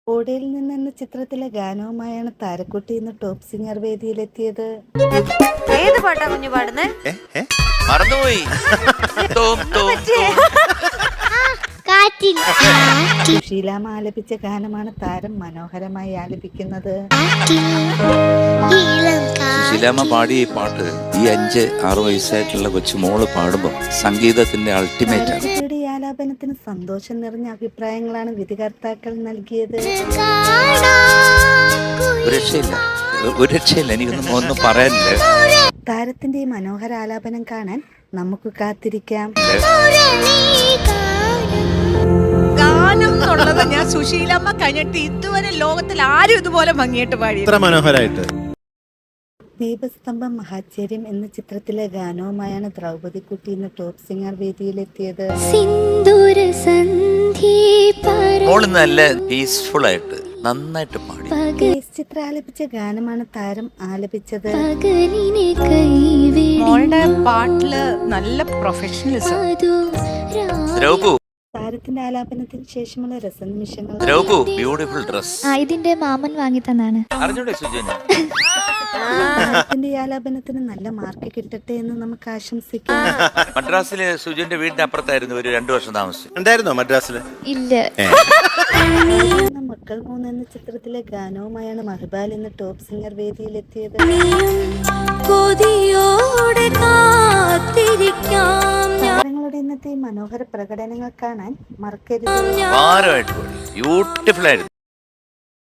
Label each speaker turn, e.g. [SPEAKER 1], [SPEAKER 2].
[SPEAKER 1] ഓടയിൽ നിന്ന് എന്ന ചിത്രത്തിലെ ഗാനവുമായാണ് താരക്കുട്ടി ഇന്ന് ടോപ്പ് സിംഗർ വേദിയിലെത്തിയത്.
[SPEAKER 2] ഏത് പാട്ടാ കുഞ്ഞു പാടുന്നേ?
[SPEAKER 3] മറന്നുപോയി.
[SPEAKER 1] സുശീലാമ്മ ആലപിച്ച ഗാനമാണ് താരം മനോഹരമായി ആലപിക്കുന്നത്.
[SPEAKER 3] സുശീലാമ്മ പാടിയ ഈ പാട്ട് ഈ 5-6 വയസ്സായിട്ടുള്ള കൊച്ചുമോള് പാടുമ്പോൾ സംഗീതത്തിന്റെ അൾട്ടിമേറ്റ് ആണ്.
[SPEAKER 1] കുട്ടിയുടെ ഈ ആലാപനത്തിന് സന്തോഷം നിറഞ്ഞ അഭിപ്രായങ്ങളാണ് വിധികർത്താക്കൾ നൽകിയത്.
[SPEAKER 3] ഒരു രക്ഷയില്ല എനിക്കൊന്നും പറയാനില്ല.
[SPEAKER 1] താരത്തിന്റെ ഈ മനോഹര ആലാപനം കാണാൻ നമുക്ക് കാത്തിരിക്കാം.
[SPEAKER 4] ഗാനം എന്നുള്ളത് ഞാൻ സുശീലമ്മ കഴിഞ്ഞിട്ട് ഇതുവരെ ലോകത്തിൽ ആരും ഇതുപോലെ ഭംഗിയായിട്ട് പാടി.
[SPEAKER 5] മനോഹരായിട്ട്
[SPEAKER 1] ദീപസ്തംഭം മഹാചര്യം എന്ന ചിത്രത്തിലെ ഗാനവുമായാണ് ദ്രൗപദിക്കുട്ടി ഇന്ന് ടോപ്പ് സിംഗർ വേദിയിലെത്തിയത്.
[SPEAKER 3] മോള് നല്ല പീസ്ഫുൾ ആയിട്ട് നന്നായിട്ട് പാടി.
[SPEAKER 1] ചിത്ര ആലപിച്ച ഗാനമാണ് താരം ആലപിച്ചത്.
[SPEAKER 4] മോളുടെ പാട്ടില് നല്ല പ്രൊഫഷണലിസം.
[SPEAKER 1] താരത്തിന്റെ ആലാപനത്തിന് ശേഷമുള്ള രസനിമിഷങ്ങൾ.
[SPEAKER 3] Beautiful dress.
[SPEAKER 6] ഇതിന്റെ മാമൻ വാങ്ങി തന്നാണ്.
[SPEAKER 3] അറിഞ്ഞൂടെ സുജന?
[SPEAKER 1] താരത്തിന്റെ ഈ ആലാപനത്തിന് നല്ല മാർക്ക് കിട്ടട്ടെ എന്ന് നമുക്ക് ആശംസിക്കാം.
[SPEAKER 3] മദ്രാസിലെ സുജന്റെ വീടിന്റെ അപ്പുറത്തായിരുന്നു ഒരു 2 വർഷം താമസിച്ചു.
[SPEAKER 5] ഉണ്ടായിരുന്നോ മദ്രാസില്?
[SPEAKER 6] ഇല്ല.
[SPEAKER 1] മക്കൾ 3 എന്ന ചിത്രത്തിലെ ഗാനവുമായാണ് മഹിബാൽ ഇന്ന് ടോപ്പ് സിംഗർ വേദിയിലെത്തിയത്. താരങ്ങളുടെ ഇന്നത്തെ മനോഹര പ്രകടനങ്ങൾ കാണാൻ മറക്കരുത്.
[SPEAKER 3] ബ്യൂട്ടിഫുൾ ആയിരുന്നു.